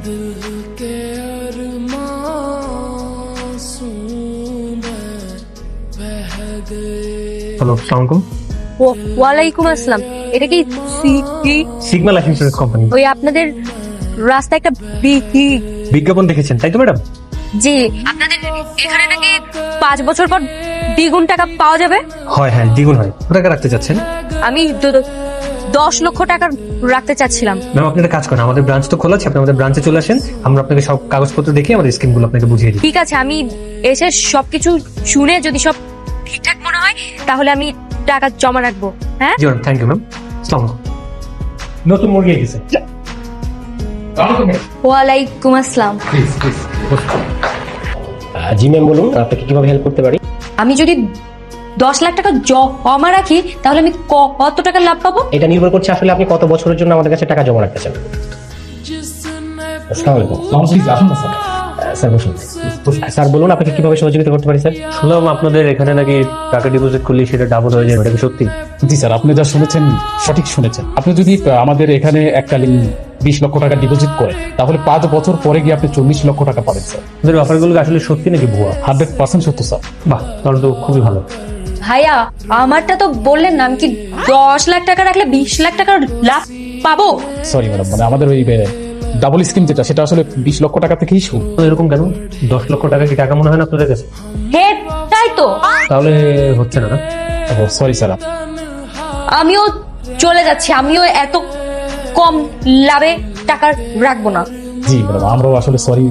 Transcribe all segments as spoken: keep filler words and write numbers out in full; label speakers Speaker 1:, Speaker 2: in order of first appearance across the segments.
Speaker 1: Hello, আসসালামু আলাইকুম।
Speaker 2: ওয়ালাইকুম আসসালাম। এটা কি
Speaker 1: সিগমা লাইফ ইন্স্যুরেন্স কোম্পানি।
Speaker 2: ওই আপনাদের রাস্তায় একটা বি-
Speaker 1: বিজ্ঞাপন দেখেছেন তাই তো ম্যাডাম?
Speaker 2: জি, আপনাদের এখানে নাকি পাঁচ বছর পর দ্বিগুণ টাকা পাওয়া যাবে।
Speaker 1: হয়, হ্যাঁ দ্বিগুণ হয়। কত টাকা রাখতে চাচ্ছেন?
Speaker 2: আমি দ- দ- দশ লক্ষ টাকা রাখতে চাচ্ছিলাম।
Speaker 1: ম্যাম আপনি একটা কাজ করেন, আমাদের ব্রাঞ্চ তো খোলা আছে, আপনি আমাদের ব্রাঞ্চে চলে আসেন, আমরা আপনাকে সব কাগজপত্র দেখে আমাদের স্কিমগুলো আপনাকে বুঝিয়ে দিই।
Speaker 2: ঠিক আছে, আমি এসে সবকিছু শুনে যদি সব ঠিকঠাক মনে হয় তাহলে আমি টাকা জমা রাখবো। হ্যাঁ,
Speaker 1: জি ম্যাম, থ্যাংক ইউ ম্যাম। আসসালামু আলাইকুম। নতুন মুরগি এসেছে।
Speaker 2: ওয়ালাইকুম আসসালাম।
Speaker 1: প্লিজ প্লিজ
Speaker 3: জি ম্যাম, বলুন আপনাকে কিভাবে হেল্প করতে পারি?
Speaker 2: আমি যদি দশ লাখ টাকা জমা রাখি তাহলে আমি ক- কত টাকা লাভ পাবো?
Speaker 3: এটা নির্ভর করছে আসলে আপনি কত বছরের জন্য আমাদের কাছে টাকা জমা রাখতে চান। আসসালামু আলাইকুম। স্যার বসুন। স্যার বলুন আপনাকে কিভাবে সহযোগিতা করতে পারি স্যার?
Speaker 1: শুনলাম আপনাদের এখানে নাকি টাকা ডিপোজিট করলে সেটা ডাবল হয়ে যায়, এটা কি সত্যি?
Speaker 4: জি স্যার, আপনি যা শুনেছেন সঠিক শুনেছেন। আপনি যদি আহ, আমাদের এখানে এককালীন বিশ লক্ষ টাকা ডিপোজিট করেন তাহলে পাঁচ বছর পরে গিয়ে আপনি চল্লিশ লক্ষ টাকা পাবেন স্যার।
Speaker 1: আপনাদের অফারগুলো আসলে সত্যি নাকি ভুয়া?
Speaker 4: হান্ড্রেড পার্সেন্ট সত্য স্যার।
Speaker 1: বাহ, তাহলে তো খুবই ভালো।
Speaker 2: ভাইয়া, আমারটা তো বললেন না, আমি কি দশ লাখ টাকা রাখলে বিশ লাখ টাকার লাভ পাবো?
Speaker 4: সরি ম্যাডাম, মানে আমাদের ওই ডাবল স্কিম যেটা সেটা আসলে বিশ লক্ষ টাকা থেকেই শুরু।
Speaker 1: তো এরকম কেন? দশ লক্ষ টাকা কি টাকা মনে হয় না আপনাদের কাছে?
Speaker 2: হে, তাই তো।
Speaker 1: তাহলে হচ্ছে না না?
Speaker 4: ও সরি স্যার।
Speaker 2: আমিও চলে যাচ্ছি, আমিও এত কম লাভে টাকা রাখবো না।
Speaker 4: জি ম্যাডাম, আমরাও আসলে সরি।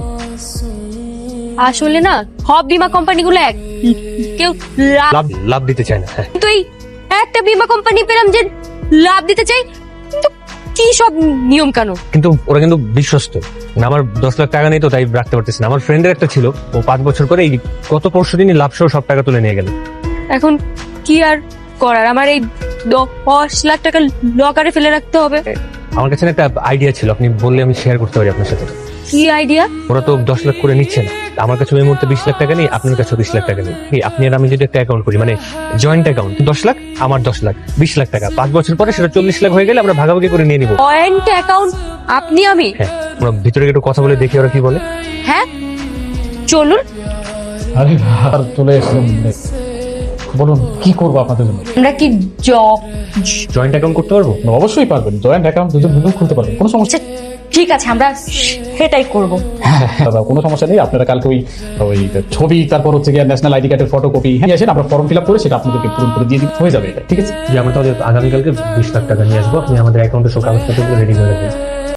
Speaker 2: আসলে না, সব বীমা কোম্পানিগুলো এক, কেউ লাভ,
Speaker 1: লাভ লাভ দিতে চায় না। হ্যাঁ,
Speaker 2: কিন্তু এই একটা বীমা কোম্পানি পেলাম যে লাভ দিতে চাই, কিন্তু কি সব নিয়ম কানুন।
Speaker 1: কিন্তু ওরা কিন্তু বিশ্বস্ত। মানে আমার দশ লাখ টাকা নেই তো তাই রাখতে পারতেছি না। আমার ফ্রেন্ডের একটা ছিল, ও পাঁচ বছর করে এই গত পরশু দিনই লাভ সহ সব টাকা তুলে নিয়ে গেল।
Speaker 2: এখন কি আর করার, আমার এই দশ লাখ টাকা লকারে ফেলে রাখতে হবে।
Speaker 1: আমার কাছে না একটা আইডিয়া ছিল, আপনি বললে আমি শেয়ার করতে পারি আপনার সাথে।
Speaker 2: কি আইডিয়া?
Speaker 1: ওরা তো দশ লাখ করে নিচ্ছে না, আমার কাছে এই মুহূর্তে বিশ লাখ টাকা নেই, আপনার কাছে বিশ লাখ টাকা নেই। কি আপনি আর আমি যদি একটা অ্যাকাউন্ট করি, মানে জয়েন্ট অ্যাকাউন্ট, দশ লাখ আমার দশ লাখ বিশ লাখ টাকা, পাঁচ বছর পরে সেটা চল্লিশ লাখ হয়ে গেলে আমরা ভাগাভাগি করে নিয়ে নিবো।
Speaker 2: পয়েন্ট অ্যাকাউন্ট আপনি আমি?
Speaker 1: হ্যাঁ, আমরা ভিতরে একটু কথা বলে দেখি ওরা কি বলে।
Speaker 2: হ্যাঁ, চলুন।
Speaker 4: আরে আর চলে এসেছেন, বলুন কি করবো আপনাদের জন্য?
Speaker 2: আমরা কি জব?
Speaker 1: জয়েন্ট অ্যাকাউন্ট করতে পারবো?
Speaker 4: অবশ্যই পারবেন, জয়েন্ট অ্যাকাউন্ট দুজন মিলেও খুলতে পারবেন, কোনো সমস্যা
Speaker 2: ঠিক আছে, আমরা সেটাই করব।
Speaker 4: দাদা, কোনো সমস্যা নেই। আপনারা কালকে ওই ওই ছবি, তারপর হচ্ছে গিয়ে ন্যাশনাল আইডি কার্ডের ফটোকপি নিয়ে আসেন, আমরা ফর্ম ফিল আপ করে সেটা আপনাদেরকে পূরণ করে দিয়ে দিতে হয়ে যাবে। ঠিক আছে,
Speaker 1: যে আমরা তাহলে আগামীকালকে বিশ লাখ টাকা নিয়ে আসবো, আপনি আমাদের অ্যাকাউন্টে সব কাগজপত্র রেডি করে রাখবেন।